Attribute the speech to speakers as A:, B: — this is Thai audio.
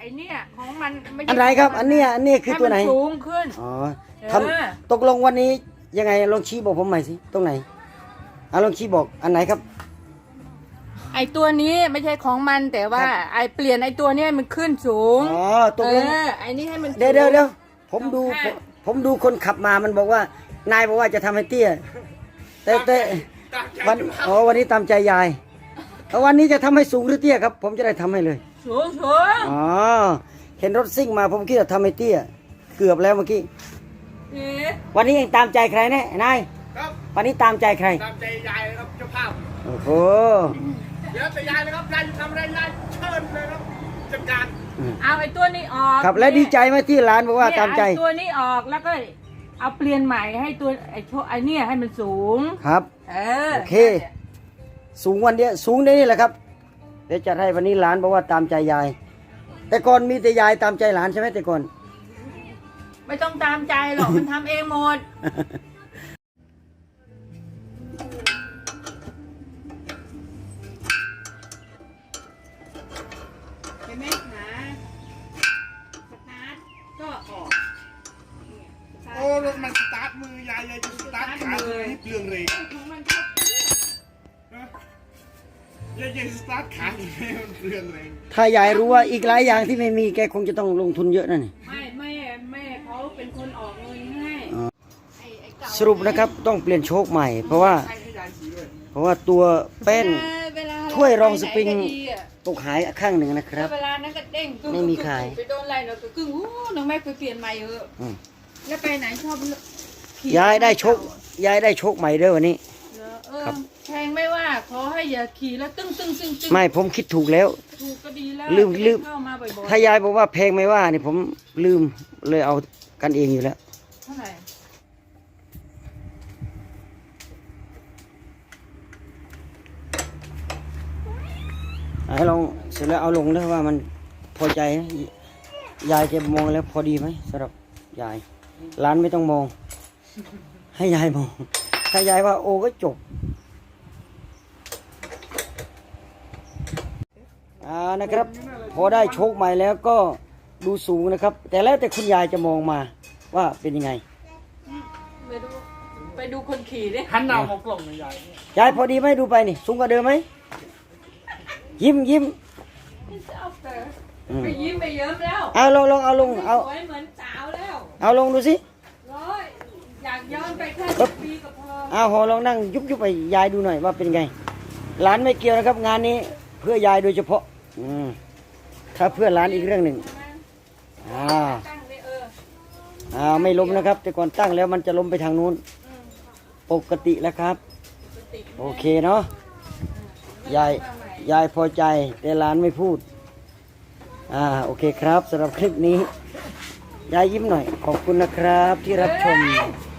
A: เนี่ยของมันไม่ใช่
B: อันไหนครับอันเนี้ยคือตัวไหน
A: ให้มัสูงขึ้น
B: อ๋อ
A: เออ
B: ตกลงวันนี้ยังไงลองชี้บอกผมใหม่สิตรงไหนลองชี้บอกอันไหนครับ
A: ไอตัวนี้ไม่ใช่ของมันแต่ว่า
B: ครับ
A: ไอเปลี่ยนไอตัวเนี้ยมันขึ้นสูง
B: อ๋อตกลง
A: ไอนี่ให้มัน
B: เดี๋ยวผมดู
A: สองข้าง
B: ผมดูคนขับมามันบอกว่านายบอกว่าจะทำให้เตี้ยแต่วันนี้ตามใจยายแล้ววันนี้จะทำให้สูงหรือเตี้ยครับ ผมจะได้ทำให้เลย
A: สูง
B: อ๋อเห็นรถซิ่งมาผมคิดว่าทำให้เตี้ยเกือบแล้วเมื่อกี้
A: เอ๊ะ
B: วันนี้เองตามใจใครแน่นาย
C: ครับ
B: วันนี้ตามใจใคร
C: ตามใจยายเลยครับเจ้าภาพ
B: โอ้โห
C: เดี๋ยวแต่ยายเลยครับยายจะทำอะไรยายเชิญเลยครับจัดการ
A: เอาไอตัวนี้ออก
B: ครับและดีใจไหมที่ร้านบอกว่า
A: เนี่ย
B: ตามใจ
A: ไอตัวนี้ออกแล้วก็เอาเปลี่ยนใหม่ให้ตัวไอเนี่ยให้มันสูง
B: ครับ
A: เออ
B: โอเค สูงวันเดียวสูงได้นี่แหละครับเดี๋ยวจัดให้วันนี้หลานบอกว่าตามใจยาย แต่ก่อนมีแต่ยายตามใจหลานใช่ไหมแต่ก่อน
A: ไม่ต้องตามใจหรอก มันทำเองหมด เห็นไหมขาสตาร์ทก็ออก
C: โอ้รถมันสตาร์ทมือยายจะสตาร์ทขาที่เปลืองเลย
A: ของมันก็
C: ยายจะสตาร์ทขาที่มันเปลืองเลย
B: ถ้ายายรู้ว่าอีกหลายอย่างที่ไม่มีแกคงจะต้องลงทุนเยอะนั่นนี่
A: ไม่แม่เขาเป็นคนออกเงินให้
B: อ๋อ
A: ไอ้เก่า
B: สรุปนะครับต้องเปลี่ยนโชคใหม่ เพราะว่า
C: ให้ยายสีด้วย
B: เพราะว่าตัวแป้น
A: เวลา
B: ถ้วยรองสปริง
A: ไปไหนก็ดีอะ
B: ตกหายข้างหนึ่งนะครับ
A: เวลานั้นก็เด้งกึ่ง
B: ไม่มีขาย
A: ไปโดนอะไรเนาะกึ่งโอ้น้องแม่ไปเปลี่ยนใหม่เถอะ
B: อืม
A: แล้วไปไหนชอบขี่
B: ยายได้โชคยายได้โชคใหม่เด้อวันนี้
A: เออ
B: ครับ
A: แพงไม่ว่าขอให้อย่าขี่แล้วตึ้งๆ
B: ไม่ผมคิดถูกแล้ว
A: ถูกก็ดีแล้ว
B: ลืม
A: เข้ามาบ่อยๆ
B: ถ้ายายบอกว่าแพงไม่ว่านี่ผมลืมเลยเอากันเองอยู่แล้ว
A: เท่าไหร่
B: ให้ลองเสร็จแล้วเอาลงแล้วว่ามันพอใจไหมยายจะมองแล้วพอดีไหมสำหรับยายร้านไม่ต้องมอง ให้ยายมอง ถ้ายายว่าโอก็จบนะครับ พอได้โชคใหม่แล้วก็ดูสูงนะครับ แต่แล้วแต่คุณยายจะมองมาว่าเป็นยังไง
A: ไปดูคนขี่ดิ
C: หันหน้ามองกล่องเลยยาย
B: ยายพอดีไหมดูไปนี่สูงกว่าเดิมไหมยิ้ม
A: ไปยิ้มไปเยิ้มแล้ว
B: เอาลงเอาลงเอา
A: สวยเหมือนสาวแล้ว
B: เอาลงดูสิ
A: ร้อยอยากย้อนไปแค่10 ปีก็พอ
B: เอาหอลองนั่งยุบไปยายดูหน่อยว่าเป็นไงหลานไม่เกี่ยวนะครับ งานนี้เพื่อยายโดยเฉพาะถ้าเพื่อหลานอีกเรื่องหนึ่ง
A: ตั้งเลย
B: ไม่ล้มนะครับ แต่ก่อนตั้งแล้วมันจะล้มไปทางนู้นปกติแล้วครับ โอเคเนาะยายพอใจแต่หลานไม่พูดโอเคครับสำหรับคลิปนี้ยายยิ้มหน่อยขอบคุณนะครับที่รับชม